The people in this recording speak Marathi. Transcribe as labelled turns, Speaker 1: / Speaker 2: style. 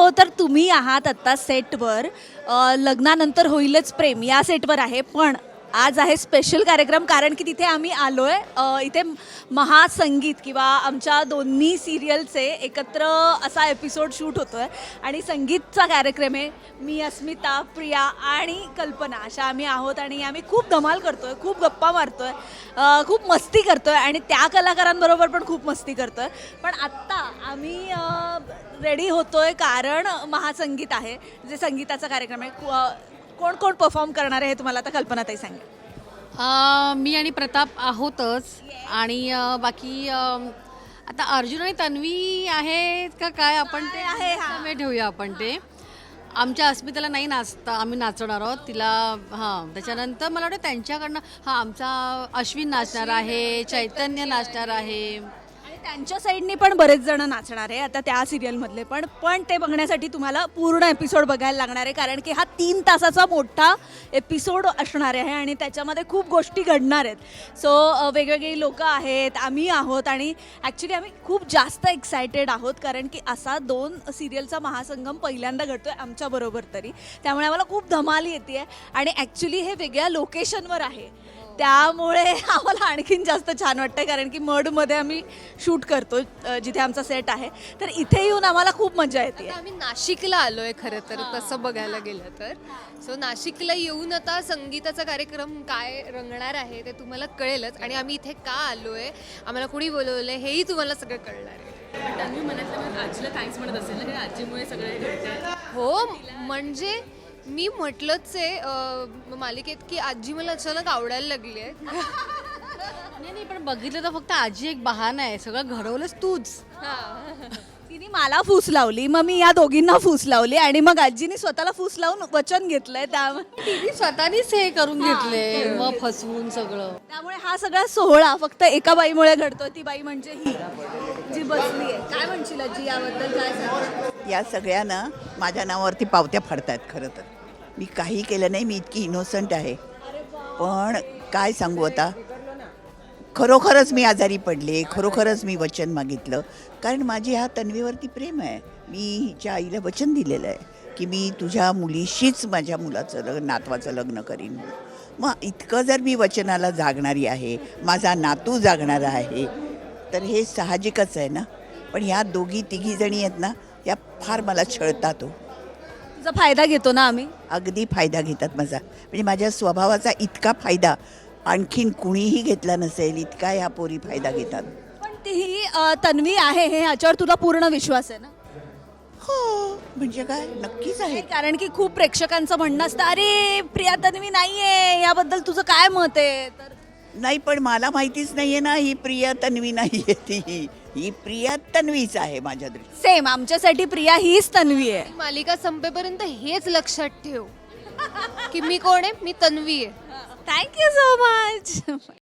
Speaker 1: तर तुम्ही आहात आत्ता सेटवर. लग्नानंतर होईलच प्रेम या सेटवर आहे, पण आज आहे स्पेशल कार्यक्रम कारण की तिथे आम्ही आलो आहे. इथे महासंगीत किंवा आमच्या दोन्ही सिरियलचे एकत्र असा एपिसोड शूट होतो आहे आणि संगीतचा कार्यक्रम आहे. मी, अस्मिता, प्रिया आणि कल्पना अशा आम्ही आहोत आणि आम्ही खूप धमाल करतो आहे, खूप गप्पा मारतो आहे, खूप मस्ती करतो आहे आणि त्या कलाकारांबरोबर पण खूप मस्ती करतो आहे. पण आत्ता आम्ही रेडी होतो आहे कारण महासंगीत आहे, जे संगीताचा कार्यक्रम आहे. कोण कोण परफॉर्म करणार आहे हे तुम्हाला आता कल्पनाताई सांगेल.
Speaker 2: मी आणि प्रताप आहोतच आणि बाकी आता अर्जुन आणि तन्वी आहेत का काय आपण ते
Speaker 1: आहे, हा.
Speaker 2: समय ठेवूया आपण ते. आमच्या अस्मिताला नाही नाचता, आम्ही नाचणार आहोत तिला. हां, त्याच्यानंतर मला वाटतं त्यांच्याकडनं आमचा अश्विन नाचणार आहे, चैतन्य नाचणार आहे.
Speaker 1: आणि त्यांच्या साईडनी पण बरेच जण नाचणार आहे आता त्या सिरियलमधले पण ते बघण्यासाठी तुम्हाला पूर्ण एपिसोड बघायला लागणार आहे कारण की हा 3 तासाचा मोठा एपिसोड असणार आहे आणि त्याच्यामध्ये खूप गोष्टी घडणार आहेत. सो वेगवेगळी लोकं आहेत, आम्ही आहोत आणि ॲक्च्युली आम्ही खूप जास्त एक्सायटेड आहोत कारण की असा 2 सिरियलचा महासंगम पहिल्यांदा घडतो आहे आमच्याबरोबर तरी. त्यामुळे आम्हाला खूप धमाल येते आहे आणि ॲक्च्युली हे वेगळ्या लोकेशनवर आहे, त्यामुळे आम्हाला आणखीन जास्त छान वाटतं कारण की मडमध्ये आम्ही शूट करतो जिथे आमचा सेट आहे. तर इथे येऊन आम्हाला खूप मजा येते.
Speaker 3: आता आम्ही नाशिकला आलोय खरं तर तसं बघायला गेलं तर. सो नाशिकला येऊन आता संगीताचा कार्यक्रम काय रंगणार आहे ते तुम्हाला कळेलच आणि आम्ही इथे का आलोय, आम्हाला कोणी बोलवलंय हेही तुम्हाला सगळं कळणार आहे.
Speaker 4: तन्वी मनातल्या आजीला थँक्स म्हणत असेल ना, कारण आजीमुळे सगळे घडतंय.
Speaker 3: हो, म्हणजे मी म्हटलंच आहे मालिकेत की आजी मला अचानक आवडायला लागली आहे.
Speaker 2: नाही पण बघितलं तर फक्त आजी एक बहाणा आहे, सगळं घडवलंच तूच.
Speaker 1: तिने मला फूस लावली, मग मी या दोघींना फूस लावली आणि मग आजीने स्वतःला फूस लावून वचन घेतलंय.
Speaker 2: तिने स्वतःनीच हे करून घेतले, मग फसवून सगळं.
Speaker 1: त्यामुळे हा सगळा सोहळा फक्त एका बाईमुळे घडतोय, ती बाई म्हणजे ही जी बसली आहे. काय म्हणशील आजी याबद्दल, काय सांगशील?
Speaker 5: या सगळ्यांना माझ्या नावावरती पावत्या फाडतायत. खरं तर मी काही केलं नाही, मी इतकी इनोसंट आहे. पण काय सांगू आता, खरोखरच मी आजारी पडले, खरोखरच मी वचन मागितलं कारण माझी ह्या तन्वीवरती प्रेम आहे. मी हिच्या आईला वचन दिलेलं आहे की मी तुझ्या मुलीशीच माझ्या मुलाचं नातवाचं लग्न करीन. मग इतकं जर मी वचनाला जागणारी आहे, माझा नातू जागणारा आहे, तर हे साहजिकच आहे ना. पण ह्या दोघी तिघी जणी आहेत ना, या फार मला छळतात. हो,
Speaker 1: तुझा फायदा घेतो ना आम्ही.
Speaker 5: अगदी फायदा घेतात माझा. म्हणजे माझ्या स्वभावाचा इतका फायदा आणखीन कुणीही घेतला नसेल इतका ह्या पोरी फायदा घेतात.
Speaker 1: पण ती तन्वी आहे हे ह्याच्यावर तुला पूर्ण विश्वास आहे ना?
Speaker 5: हो, म्हणजे काय, नक्कीच आहे.
Speaker 1: कारण की खूप प्रेक्षकांचं म्हणणं असतं, अरे प्रिया तन्वी नाहीये, याबद्दल तुझं काय मत आहे? तर
Speaker 5: नाही, पण मला माहितीच नाहीये ना ही प्रिया तन्वी नाहीये. ही प्रिया तन्वीच आहे माझ्या दृष्टीने.
Speaker 1: सेम आमच्यासाठी प्रिया हीच तन्वी आहे.
Speaker 3: मालिका संपेपर्यंत हेच लक्षात ठेव की मी कोण आहे, मी तन्वी आहे.
Speaker 1: Thank you so much.